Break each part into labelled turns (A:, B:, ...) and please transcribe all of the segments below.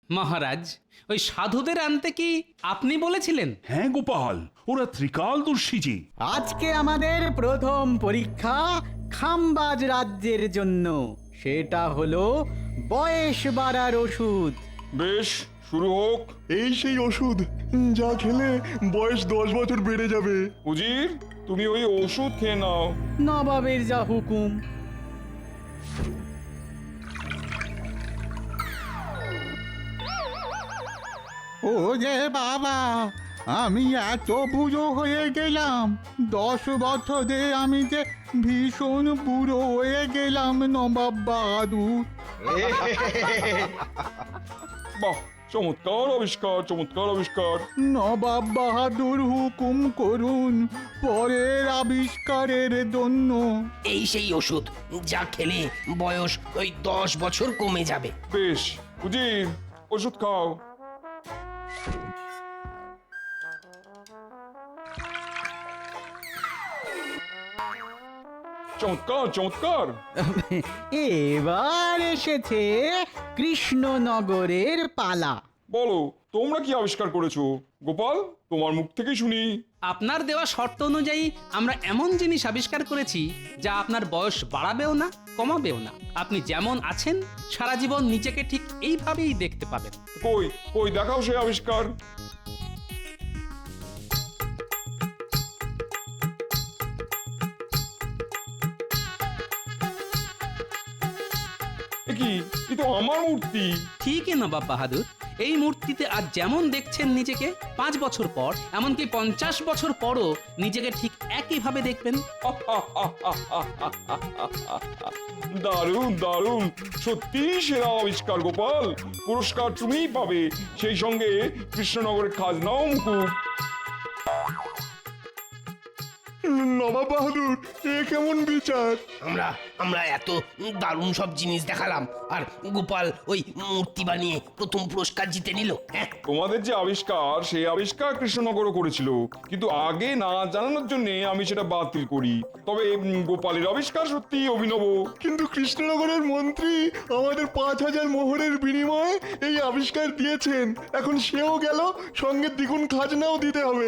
A: মহারাজ, ওই সাধুদের আনতে কি আপনি বলেছিলেন?
B: হ্যাঁ গোপাল, ওরা ত্রিকালদর্শী যে।
C: আজকে আমাদের প্রথম পরীক্ষা খামবাজ রাজ্যের জন্য। সেটা হলো বয়স বাড়ার ওষুধ।
D: বেশ, শুরু হোক।
E: এই সেই ওষুধ যা খেলে বয়স 10 বছর বেড়ে যাবে।
D: উজির, তুমি ওই ওষুধ খেয়ে নাও।
C: নবাবের যা হুকুম।
F: ও যে বাবা, আমি এত বুড়ো হয়ে গেলাম। 10 বছরে আমি যে ভীষণ বুড়ো হয়ে গেলাম নবাব বাহাদুর।
D: বাহ, চমৎকার আবিষ্কার, চমৎকার আবিষ্কার।
F: নবাব বাহাদুর হুকুম করুন পরের আবিষ্কারের জন্য।
G: এই সেই ওষুধ যা খেলে বয়স ওই 10 বছর কমে যাবে।
D: বেশ, উজির, ওষুধ খাও। চমৎকার, চমৎকার।
C: এবার এসেছে কৃষ্ণনগরের পালা।
D: বলো, তোমরা কি আবিষ্কার করেছো? গোপাল, তোমার মুখ থেকেই শুনি।
A: আপনার দেওয়া শর্ত অনুযায়ী আমরা এমন জিনিস আবিষ্কার করেছি যা আপনার বয়স বাড়াবেও না, কমাবেও না। আপনি যেমন আছেন সারা জীবন নিজেকে ঠিক এইভাবেই দেখতে পাবেন।
D: কই কই দেখাও সেই আবিষ্কার। এ কি, এ তো আমার মূর্তি।
A: ঠিকই নবাব বাহাদুর, এই মূর্তিতে আজ যেমন দেখছেন নিজেকে, 5 বছর পর, এমনকি 50 বছর পরও নিজেকে ঠিক একইভাবে দেখবেন।
D: দারুণ, দারুণ, সত্যি সেরা আবিষ্কার গোপাল। পুরস্কার তুমিই পাবে, সেই সঙ্গে কৃষ্ণনগরের খাজনাও মুকুব।
E: নবাব বাহাদুর, এ কেমন বিচার?
G: আমরা এত দারুণ সব জিনিস দেখালাম, আর গোপাল ওই মূর্তি বানিয়ে প্রথম পুরস্কার জিতে নিল। হ্যাঁ,
D: তোমাদের যে আবিষ্কার, সেই আবিষ্কার কৃষ্ণনগরও করেছিল, কিন্তু আগে না জানানোর জন্য আমি সেটা বাতিল করি। তবে গোপালের আবিষ্কার সত্যি অভিনব।
E: কিন্তু কৃষ্ণনগরের মন্ত্রী আমাদের 5000 মোহরের বিনিময়ে এই আবিষ্কার দিয়েছেন। এখন সেও গেল, সঙ্গে দ্বিগুণ খাজনাও দিতে হবে।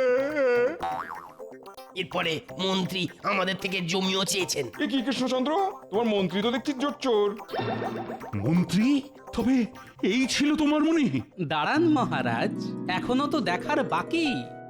G: এরপরে মন্ত্রী আমাদের থেকে জমিও চেয়েছেন।
D: এ কি কৃষ্ণচন্দ্র, তোমার মন্ত্রী তো দেখছি জোচ্চোর।
B: মন্ত্রী? তবে এই ছিল তোমার মনে?
A: দাঁড়ান মহারাজ, এখনো তো দেখার বাকি।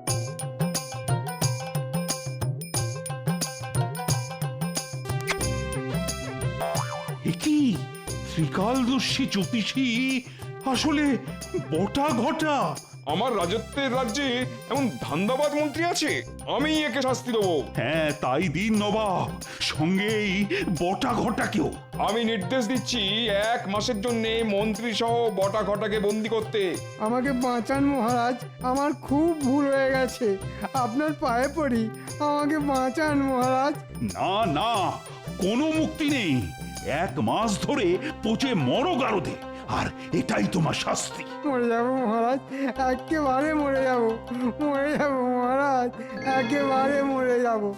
B: এ কি, ত্রিকালদর্শী জ্যোতিষী আসলে বটা ঘটা?
D: আমার রাজত্বের রাজ্যে এমন ধান্দাবাজ মন্ত্রী আছে? আমি একে শাস্তি দেবো।
B: হ্যাঁ, তাই দিন নবাব, সঙ্গেই বটা ঘটাকেও।
D: আমি নির্দেশ দিচ্ছি 1 মাসের জন্য মন্ত্রী সহ বটা ঘটাকে বন্দি করতে।
H: আমাকে বাঁচান মহারাজ, আমার খুব ভুল হয়ে গেছে, আপনার পায়ে পড়ি, আমাকে বাঁচান মহারাজ।
B: না না, কোনো মুক্তি নেই। 1 মাস ধরে পচে মরো গারদে, আর এটাই তোমার শাস্তি।
H: মরে যাবো মহারাজ, একেবারে মরে যাবো, মরে যাবো মহারাজ, একেবারে মরে যাবো।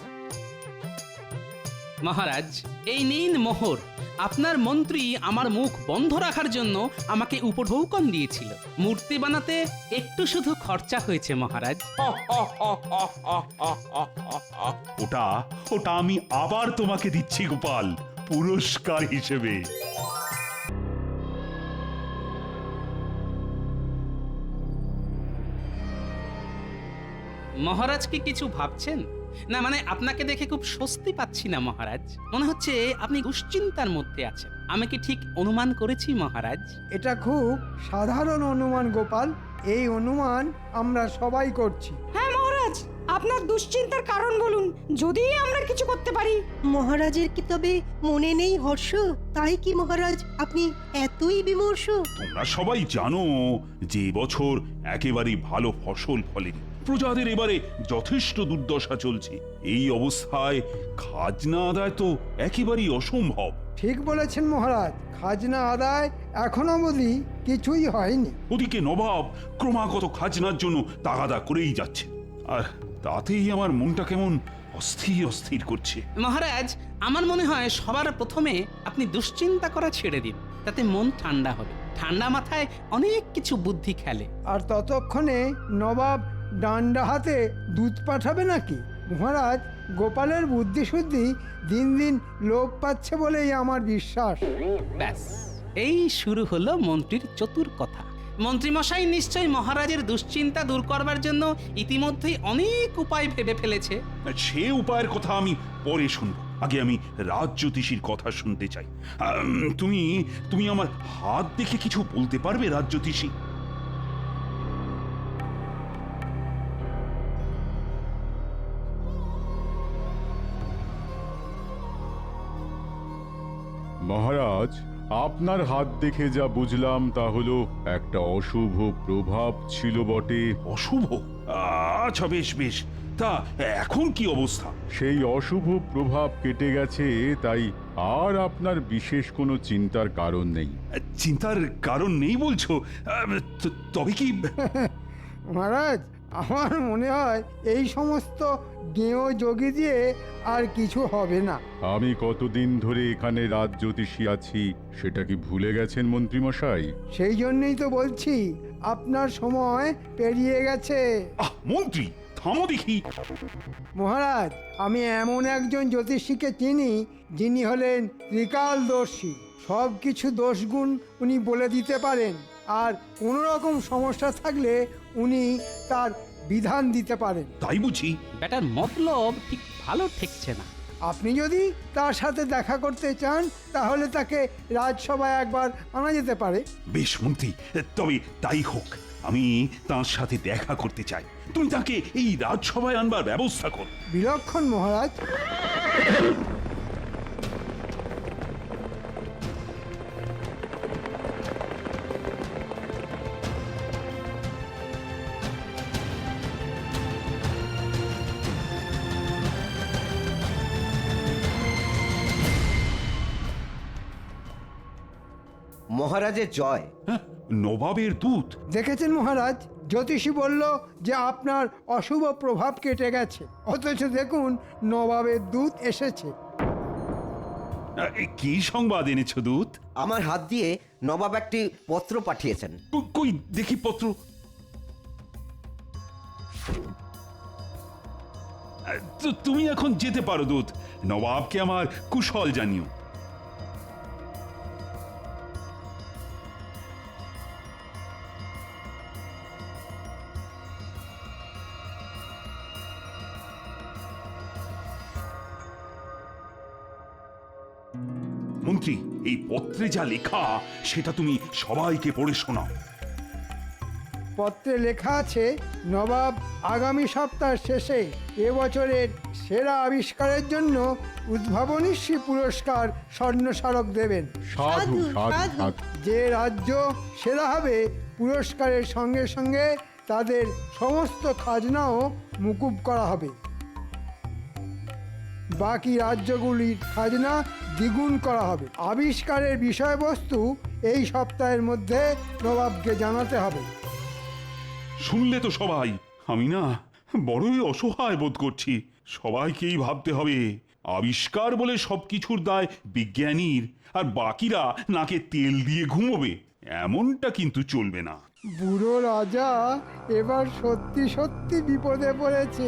A: মহারাজ, এই নিন মোহর। আপনার মন্ত্রী আমার মুখ বন্ধ রাখার জন্য আমাকে উপঢৌকন দিয়েছিল। মূর্তি বানাতে একটু শুধু খরচা হয়েছে মহারাজ।
B: ওটা ওটা আমি আবার তোমাকে দিচ্ছি গোপাল, পুরস্কার হিসেবে।
A: মহারাজ কি কিছু ভাবছেন? না মানে আপনাকে দেখে খুব স্বস্তি পাচ্ছি না মহারাজ। মনে হচ্ছে আপনি দুশ্চিন্তার মধ্যে আছেন। আমি কি ঠিক অনুমান করেছি মহারাজ?
H: এটা খুব সাধারণ অনুমান গোপাল, এই অনুমান আমরা সবাই করছি।
I: হ্যাঁ মহারাজ, আপনার দুশ্চিন্তার কারণ বলুন, যদি আমরা কিছু করতে পারি।
J: মহারাজের কি তবে মনে নেই হর্ষ? তাই কি মহারাজ আপনি এতই বিমর্ষ?
B: তোমরা সবাই জানো যে বছর একেবারেই ভালো ফসল ফলেনি, প্রজাদের এবারে যথেষ্ট দুর্দশা চলছে। এই অবস্থায় খাজনা আদায় তো একেবারেই অসম্ভব।
H: ঠিক বলেছেন মহারাজ, খাজনা আদায় এখনো অবধি কিছুই হয়নি।
B: ওদিকে নবাব ক্রমাগত খাজনার জন্য তাগাদা করেই যাচ্ছে, আর তাতেই আমার মনটা কেমন অস্থির অস্থির করছে।
A: মহারাজ, আমার মনে হয় সবার প্রথমে আপনি দুশ্চিন্তা করা ছেড়ে দিন, তাতে মন ঠান্ডা হবে। ঠান্ডা মাথায় অনেক কিছু বুদ্ধি খেলে।
H: আর ততক্ষণে নবাব ডান্ডা হাতে দুধ পাঠাবে নাকি? মহারাজ, গোপালের বুদ্ধিশুদ্ধি দিন দিন লোপ পাচ্ছে বলেই আমার বিশ্বাস।
A: ব্যাস, এই শুরু হলো মন্ত্রীর চতুর কথা। মন্ত্রীমশাই নিশ্চয়ই মহারাজের দুশ্চিন্তা দূর করবার জন্য ইতিমধ্যেই অনেক উপায় ভেবে ফেলেছে।
B: সে উপায়ের কথা আমি পরে শুনব, আগে আমি রাজজ্যোতিষীর কথা শুনতে চাই। তুমি তুমি আমার হাত দেখে কিছু বলতে পারবে রাজজ্যোতিষী?
K: মহারাজ, আপনার হাত দেখে যা বুঝলাম তা হলো একটা অশুভ প্রভাব ছিল বটে।
B: অশুভ? আচ্ছা, বেশ বেশ, তা এখন কি অবস্থা?
K: সেই অশুভ প্রভাব কেটে গেছে, তাই আর আপনার বিশেষ কোনো চিন্তার কারণ নেই।
B: চিন্তার কারণ নেই বলছো? তবে কি?
H: মহারাজ, আমার মনে হয় এই সমস্ত গেঁয়ো যোগী দিয়ে আর কিছু হবে না।
K: আমি কতদিন ধরে এখানে রাজজ্যোতিষী আছি সেটা কি ভুলে গেছেন মন্ত্রীমশাই?
H: সেই জন্যই তো বলছি, আপনার সময় পেরিয়ে গেছে।
B: মন্ত্রী, থামো দেখি।
H: মহারাজ, আমি এমন একজন জ্যোতিষীকে চিনি যিনি হলেন ত্রিকালদর্শী। সব কিছু দোষগুণ উনি বলে দিতে পারেন, আর কোনো রকম সমস্যা থাকলে উনি তার বিধান দিতে পারেন।
B: তাই বুঝি?
A: ব্যাটার মতলব ঠিক ভালো ঠেকছে না।
H: আপনি যদি তার সাথে দেখা করতে চান তাহলে তাকে রাজসভায় একবার আনা যেতে পারে।
B: বেশ মন্ত্রী, তবে তাই হোক। আমি তার সাথে দেখা করতে চাই। তুমি তাকে এই রাজসভায় আনবার ব্যবস্থা কর।
H: বিলক্ষণ মহারাজ।
L: মহারাজের জয়।
B: নবাবের দূত?
H: দেখেছেন মহারাজ, জ্যোতিষী বলল যে আপনার অশুভ প্রভাব কেটে গেছে, অথচ দেখুন নবাবের দূত এসেছে।
B: কি সংবাদ এনেছো দূত?
L: আমার হাত দিয়ে নবাব একটি পত্র পাঠিয়েছেন।
B: কই দেখি পত্র। তুমি এখন যেতে পারো দূত। নবাবকে আমার কুশল জানিও। মন্ত্রী, এই পত্রে যা লেখা সেটা তুমি সবাইকে পড়ে শোনাও।
H: পত্রে লেখা আছে, নবাব আগামী সপ্তাহ শেষে এবছরের সেরা আবিষ্কারের জন্য উদ্ভাবনীশ্রী পুরস্কার স্বর্ণ স্মারক দেবেন।
K: সাধু সাধু সাধু।
H: যে রাজ্য সেরা হবে পুরস্কারের সঙ্গে সঙ্গে তাদের সমস্ত খাজনাও মুকুব করা হবে। বাকি রাজ্যগুলির খাজনা দ্বিগুণ করা হবে। আবিষ্কারের বিষয়বস্তু এই সপ্তাহের মধ্যে নবাবকে জানাতে হবে।
B: শুনলে তো সবাই? আমি না বড়ই অসহায় বোধ করছি। সবাইকেই ভাবতে হবে আবিষ্কার বলে সবকিছুর দায় বিজ্ঞানীর, আর বাকিরা নাকে তেল দিয়ে ঘুমোবে। এমনটা কিন্তু চলবে না।
H: বুড়ো রাজা এবার সত্যি সত্যি বিপদে পড়েছে।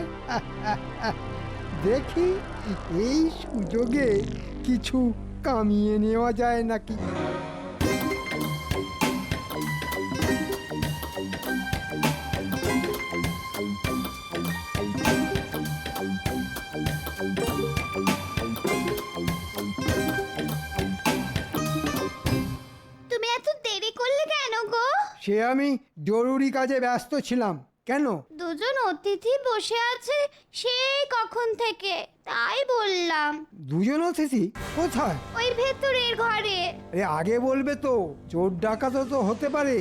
H: দেখি এই সুযোগে কিছু কামিয়ে নেওয়া যায় নাকি।
M: তুমি এত দেরি করলে কেন গো?
H: সে আমি জরুরি কাজে ব্যস্ত ছিলাম। কেন?
M: দুজন অতিথি বসে আছে সেই কখন থেকে, তাই বললাম।
H: দুজন অতিথি কোথায়?
M: ওই ভেতরের ঘরে।
H: আরে আগে বলবে তো, চোর ডাকাতও তো হতে পারে।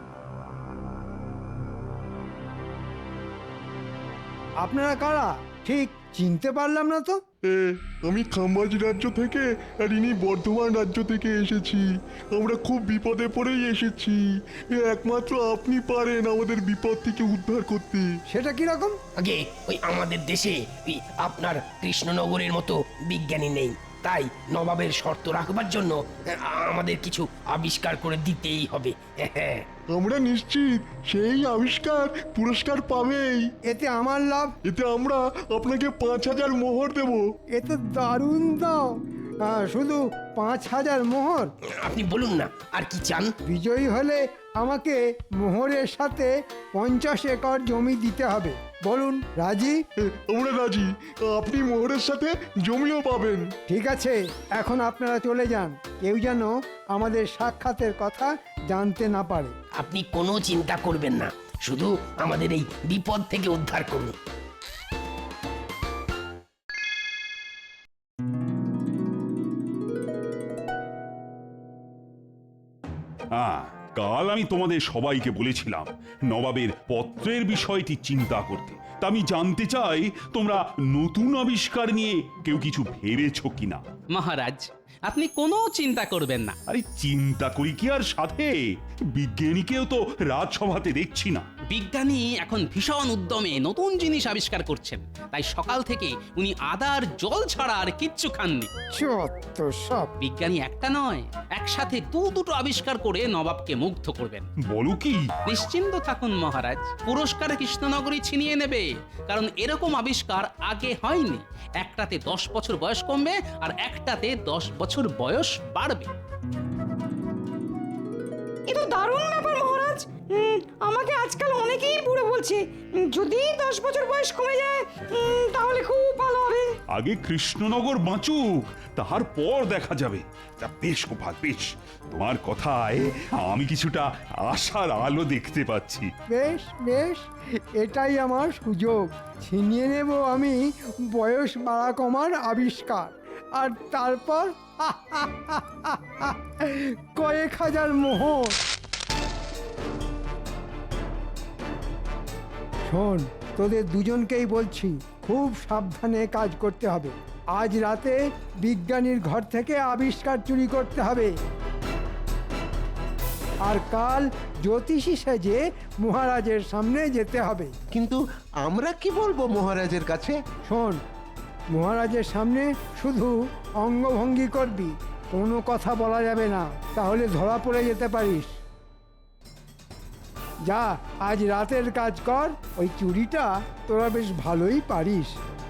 H: আপনারা কারা ঠিক চিনতে পারলাম না তো।
E: আমি খাম্বাজ রাজ্য থেকে, আর ইনি বর্ধমান রাজ্য থেকে এসেছি। আমরা খুব বিপদে পড়েই এসেছি। একমাত্র আপনি পারেন আমাদের বিপদ থেকে উদ্ধার করতে।
H: সেটা কি রকম?
G: আগে ওই আমাদের দেশে ওই আপনার কৃষ্ণনগরের মতো বিজ্ঞানী নেই। তাই নবাবের শর্ত রাখবার জন্য আমাদের কিছু আবিষ্কার করে দিতেই হবে। হ্যাঁ,
E: আমরা নিশ্চিত সেই আবিষ্কার পুরস্কার পাবেই।
H: এতে আমার লাভ।
E: এতে আমরা আপনাকে 5,000 মোহর দেব।
H: এ তো দারুণ দাও। শুধু 5,000 মোহর?
G: আপনি বলুন না আর কি চান?
H: বিজয়ী হলে আমাকে মোহরের সাথে 50 একর জমি দিতে হবে। বলুন, রাজি?
E: আমরা রাজি। আপনি মোহরের সাথে জমিও পাবেন।
H: ঠিক আছে, এখন আপনারা চলে যান। কেউ যেন আমাদের সাক্ষাতের কথা জানতে না পারে।
G: আপনি কোনো চিন্তা করবেন না, শুধু আমাদের এই বিপদ থেকে উদ্ধার করুন।
B: কাল আমি তোমাদের সবাইকে বলেছিলাম নবাবের পত্রের বিষয়টি চিন্তা করতে। তা আমি জানতে চাই তোমরা নতুন আবিষ্কার নিয়ে কেউ কিছু ভেবেছো কিনা।
A: মহারাজ, আপনি কোনো চিন্তা করবেন না।
B: আরে চিন্তা করি কি আর সাথে, বিজ্ঞানীকেও তো রাজসভাতে দেখছি না।
A: বিজ্ঞানী এখন ভীষণ উদ্যমে নতুন জিনিস আবিষ্কার করছেন, তাই সকাল থেকে উনি আদার জল ছাড়া আর কিচ্ছু খাননি।
H: চত্ব সব।
A: বিজ্ঞানী একটা নয়, একসাথে দুটো আবিষ্কার করে নবাবকে মুগ্ধ করবেন।
B: বলো কি?
A: নিশ্চিন্ত থাকুন মহারাজ, পুরস্কার কৃষ্ণনগরী ছিনিয়ে নেবে, কারণ এরকম আবিষ্কার আগে হয়নি। একটাতে 10 বছর বয়স কমবে আর একটাতে 10 বছর বয়স বাড়বে।
I: এ তো দারুণ ব্যাপার মহারাজ। আমাকে আজকাল অনেকেই বুড়ো বলছে। যদি 10 বছর বয়স কমে যায় তাহলে খুব ভালো হবে।
B: আগে কৃষ্ণনগর বাঁচুক, তারপর দেখা যাবে। তা বেশ গোপাল, বেশ, তোমার কথায় আমি কিছুটা আশার আলো দেখতে পাচ্ছি।
H: বেশ বেশ, এটাই আমার সুযোগ। ছিনিয়ে নেব আমি বয়স বাড়া কমার আবিষ্কার, আর তারপর কয়েক হাজার মোহর। শোন, তোদের দুজনকেই বলছি, খুব সাবধানে কাজ করতে হবে। আজ রাতে বিজ্ঞানীর ঘর থেকে আবিষ্কার চুরি করতে হবে, আর কাল জ্যোতিষী সেজে মহারাজের সামনে যেতে হবে।
L: কিন্তু আমরা কি বলবো মহারাজের কাছে?
H: শোন, মহারাজের সামনে শুধু অঙ্গভঙ্গি করবি, কোনো কথা বলা যাবে না, তাহলে ধরা পড়ে যেতে পারিস। যা, আজ রাতের কাজ কর। ওই চুরিটা তোরা বেশ ভালোই পারিস।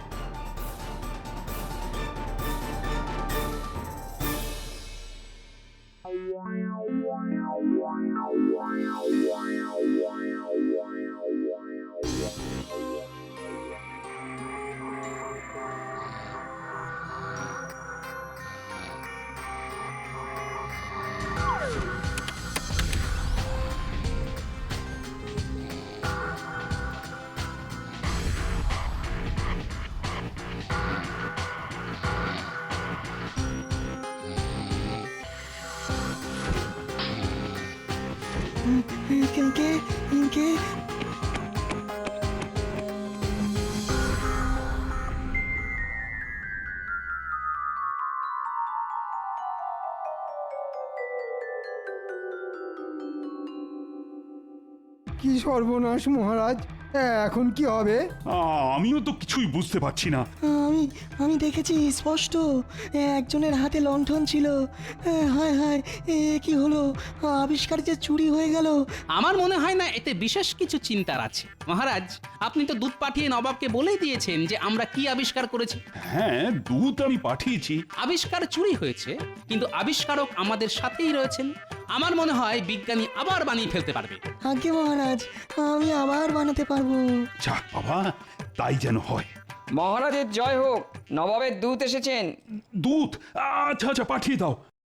H: কি সর্বনাশ মহারাজ, এখন কি হবে?
B: আমিও তো কিছুই বুঝতে পারছি না।
N: আমি দেখেছি স্পষ্ট, একজনের হাতে লণ্ঠন ছিল। হায় হায়, কি হলো? আবিষ্কার যে চুরি হয়ে গেল।
A: আমার মনে হয় না এতে বিশেষ কিছু চিন্তার আছে। মহারাজ, আপনি তো দূত পাঠিয়ে নবাবকে বলেই দিয়েছেন যে আমরা কি আবিষ্কার করেছি।
B: হ্যাঁ, দূত আমি পাঠিয়েছি।
A: আবিষ্কার চুরি হয়েছে, কিন্তু আবিষ্কারক আমাদের সাথেই রয়েছেন। আমার মনে হয় বিজ্ঞানী আবার বানিয়ে ফেলতে পারবে।
N: আগে মহারাজ, আমি আবার বানাতে পারবো।
B: যাক বাবা, তাই যেন হয়।
O: মহারাজের জয় হোক, নবাবের দূত এসেছেন।
B: দূত? আচ্ছা আচ্ছা, পাঠিয়ে দাও।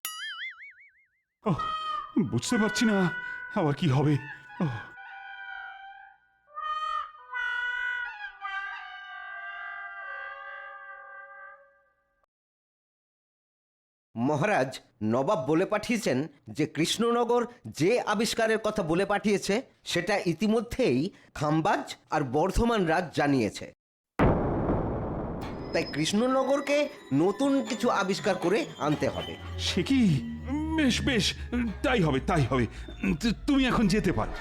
B: বুঝতে পারছি না আবার কি হবে।
L: মহারাজ, নবাব বলে পাঠিয়েছেন যে কৃষ্ণনগর যে আবিষ্কারের কথা বলে পাঠিয়েছে সেটা ইতিমধ্যেই খাম্বাজ আর বর্ধমান রাজ জানিয়েছে। তাই কৃষ্ণনগরকে নতুন কিছু আবিষ্কার করে আনতে হবে।
B: সে কি? বেশ বেশ, তাই হবে তাই হবে। তুমি এখন যেতে পারো।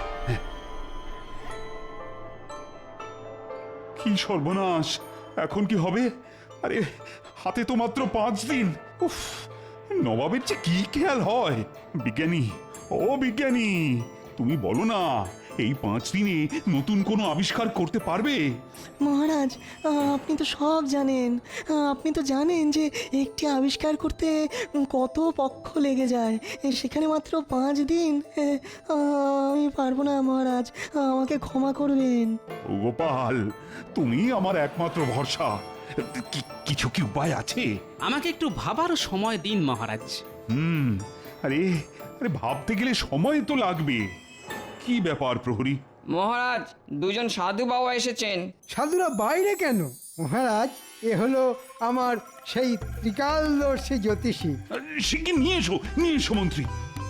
B: কি সর্বনাশ, এখন কি হবে? আরে হাতে তো মাত্র 5 দিন। উফ, নবাবের যে কি খেয়াল হয়। বিজ্ঞানী, ও বিজ্ঞানী, তুমি বলো না, এই 5 দিনে নতুন কোনো আবিষ্কার করতে পারবে?
N: মহারাজ, আপনি তো সব জানেন। আপনি তো জানেন যে একটি আবিষ্কার করতে কত পক্ষ লেগে যায়, সেখানে মাত্র 5 দিন। আমি পারবো না মহারাজ, আমাকে ক্ষমা করবেন।
B: ও গোপাল, তুমি আমার একমাত্র ভরসা। কিছু কি উপায় আছে?
A: আমাকে একটু ভাবার সময় দিন মহারাজ।
B: আরে আরে, ভাবতে গেলে সময় তো লাগবে। কি ব্যাপার প্রহরী?
O: মহারাজ, দুজন সাধু বাবা এসেছেন।
H: সাধুরা বাইরে কেন মহারাজ? এ হলো আমার সেই ত্রিকালদর্শী জ্যোতিষী।
B: সে কি, নিয়ে এসো মন্ত্রী।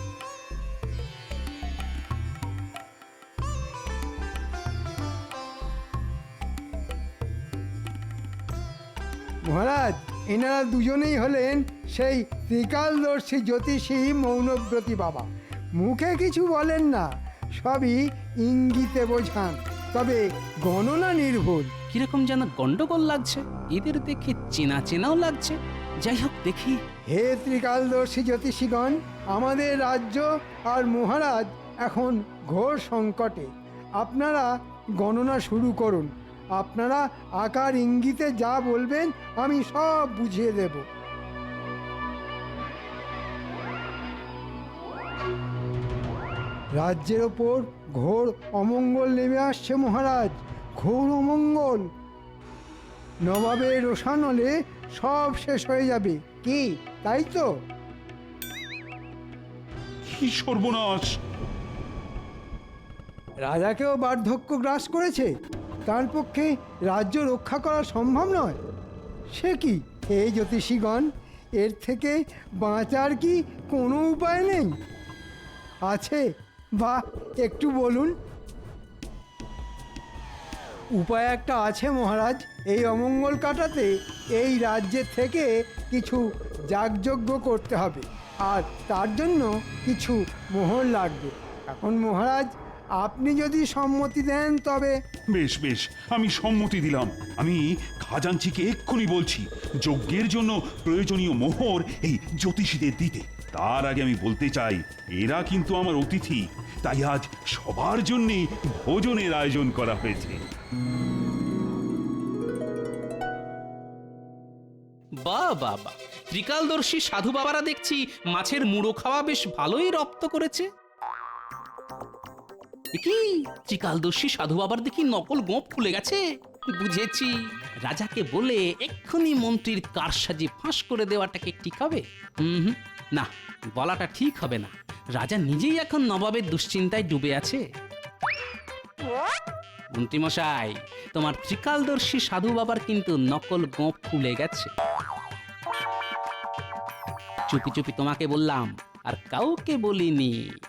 H: মহারাজ, এনারা দুজনেই হলেন সেই ত্রিকালদর্শী জ্যোতিষী মৌনব্রতী বাবা। মুখে কিছু বলেন না, সবই ইঙ্গিতে বোঝান, তবে গণনা নির্ভুল।
A: কিরকম যেন গন্ডগোল লাগছে, এদের দেখে চেনা চেনাও লাগছে। যাই হোক, দেখি।
H: হে ত্রিকালদর্শী জ্যোতিষীগণ, আমাদের রাজ্য আর মহারাজ এখন ঘোর সংকটে। আপনারা গণনা শুরু করুন। আপনারা আকার ইঙ্গিতে যা বলবেন আমি সব বুঝিয়ে দেব। রাজ্যের ওপর ঘোর অমঙ্গল নেমে আসছে মহারাজ, ঘোর অমঙ্গল। নবাবের রোষানলে সব শেষ হয়ে যাবে। কি তাই তো?
B: কি সর্বনাশ!
H: রাজাকেও বার্ধক্য গ্রাস করেছে, তার পক্ষে রাজ্য রক্ষা করা সম্ভব নয়। সে কি হে জ্যোতিষীগণ, এর থেকে বাঁচার কি কোনো উপায় নেই? আছে বা একটু বলুন। উপায় একটা আছে মহারাজ। এই অমঙ্গল কাটাতে এই রাজ্যের থেকে কিছু যাগযজ্ঞ করতে হবে, আর তার জন্য কিছু মোহর লাগবে। এখন মহারাজ, আপনি যদি সম্মতি দেন তবে।
B: বেশ বেশ, আমি সম্মতি দিলাম। আমি খাজাঞ্চিকে এক্ষুনি বলছি যজ্ঞের জন্য প্রয়োজনীয় মোহর এই জ্যোতিষীদের দিতে। তার আগে আমি বলতে চাই, এরা কিন্তু আমার অতিথি, তাই আজ সবার জন্য ভোজনের আয়োজন করা হয়েছে।
A: বাহ বাহ বাহ, ত্রিকালদর্শী সাধু বাবারা দেখছি মাছের মুড়ো খাওয়া বেশ ভালোই রপ্ত করেছে। কি ত্রিকালদর্শী সাধু বাবার দেখি নকল গোঁপ খুলে গেছে। বুঝেছি, রাজাকে বলে এক্ষুনি মন্ত্রীর কারসাজি ফাঁস করে দেওয়াটাকে ঠিক হবে? না, বলাটা ঠিক হবে না। রাজা নিজেই এখন নবাবের দুশ্চিন্তায় ডুবে আছে। মন্ত্রী মশাই, তোমার ত্রিকালদর্শী সাধু বাবার কিন্তু নকল গোঁপ খুলে গেছে। চুপি চুপি তোমাকে বললাম, আর কাউকে বলিনি।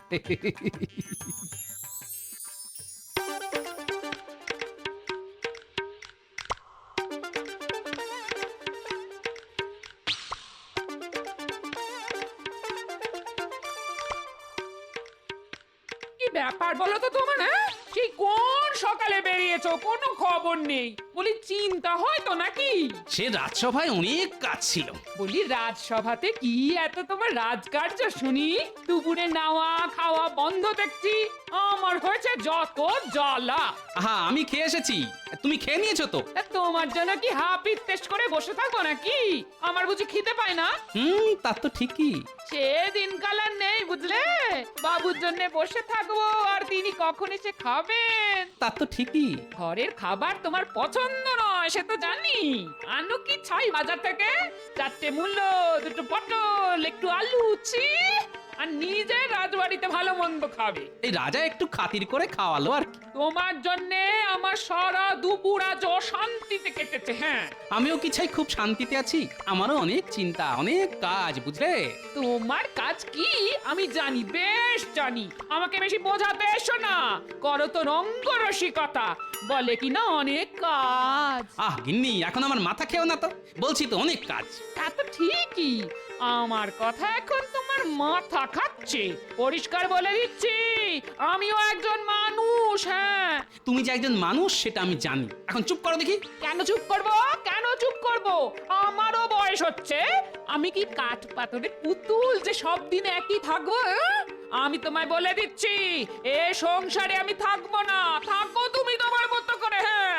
P: ব্যাপার বলো তো তোমার, হ্যাঁ? সেই কোন সকালে বেরিয়েছো, কোনো খবর নেই। বলি চিন্তা হয় তো নাকি?
A: সে রাজসভায় অনেক কাজ ছিল।
P: বলি রাজসভাতে কি এত তোমার রাজকার্য শুনি? দুপুরে নাওয়া খাওয়া বন্ধ দেখছি। আমার হয়েছে যত জ্বালা।
A: হ্যাঁ, আমি খেয়ে এসেছি, তুমি খেয়ে নিয়েছো তো?
P: তোমার জন্য কি হাপিত টেস্ট করে বসে থাকবো নাকি? আমার বুঝি খিদে পায় না?
A: তা তো ঠিকই।
P: সে দিনকাল আর নেই, বুঝলে? বাবুর জন্য বসে থাকবো আর তিনি কখন এসে খাবেন।
A: তা তো ঠিকই।
P: ঘরের খাবার তোমার পছন্দ নয়, সে তো জানি। আনু কি ছাই বাজার থেকে? 4টে মূল্য, 2টো পটল, একটু আলু, ছি! আর নিজে রাজবাড়িতে ভালো মন্দ খাবে।
A: এই রাজা একটু খাতির করে খাওয়ালো আর কি।
P: তোমার জন্যে আমার সারা দুপুর আজ অশান্তিতে কেটেছে। হ্যাঁ,
A: আমিও কি চাই খুব শান্তিতে আছি? আমারও অনেক চিন্তা, অনেক কাজ, বুঝলে?
P: তোমার কাজ কি আমি জানি, বেশ জানি। আমাকে বেশি বোঝাতে এসো না। করো তো রঙ্গরসিকতা, বলে কি না অনেক কাজ।
A: গিন্নি, এখন আমার মাথা খেও না তো, বলছি তো অনেক কাজ।
P: তা তো ঠিকই, আমার কথা এখন তোমার মাথা খাচ্ছে। পরিষ্কার বলে দিচ্ছি, আমিও একজন মানুষ, মানুষ, হ্যাঁ।
A: তুমি যে একজন মানুষ সেটা আমি জানি। এখন চুপ করো দেখি।
P: কেন চুপ করব? কেন চুপ করব? আমারও বয়স হচ্ছে। আমি কি কাঠ পাথরের পুতুল যে সব দিন একই থাকবো? আমি তোমায় বলে দিচ্ছি, এ সংসারে আমি থাকবো না। থাকো তুমি তোমার মতো করে, হ্যাঁ।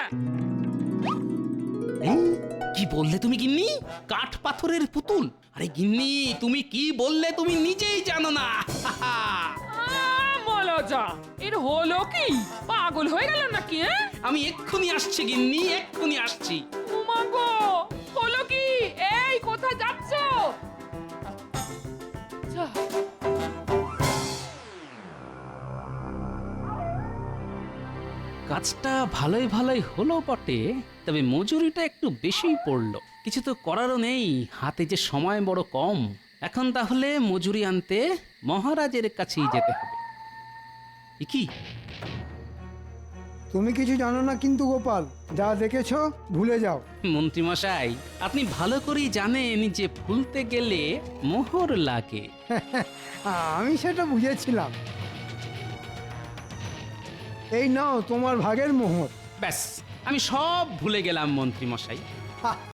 A: কি বললে তুমি গিন্নি? কাঠ পাথরের পুতুল? আরে গিন্নি, তুমি কি বললে তুমি নিজেই জানো না।
P: মলজা, এর হলো কি? পাগল হয়ে গেল নাকি?
A: আমি এক্ষুনি আসছি গিন্নি, এক্ষুনি আসছি।
P: উমা গো, হলো কি? এই কোথায় যাচ্ছ?
A: কাজটা ভালোই ভালোই হলো বটে, তবে মজুরিটা একটু বেশিই পড়লো। কিছু তো করারও নেই, হাতে যে সময় বড় কম। এখন তাহলে মজুরি আনতে মহারাজের কাছেই যেতে হবে। কি?
H: তুমি কিছু জানো না কিন্তু গোপাল, যা দেখেছো ভুলে যাও।
A: মন্ত্রী মশাই, আপনি ভালো করেই জানেন যে ভুলতে গেলে মোহর লাগে।
H: আমি সেটা বুঝেছিলাম। এই নাও তোমার ভাগের মোহর।
A: ব্যাস, আমি সব ভুলে গেলাম মন্ত্রী মশাই।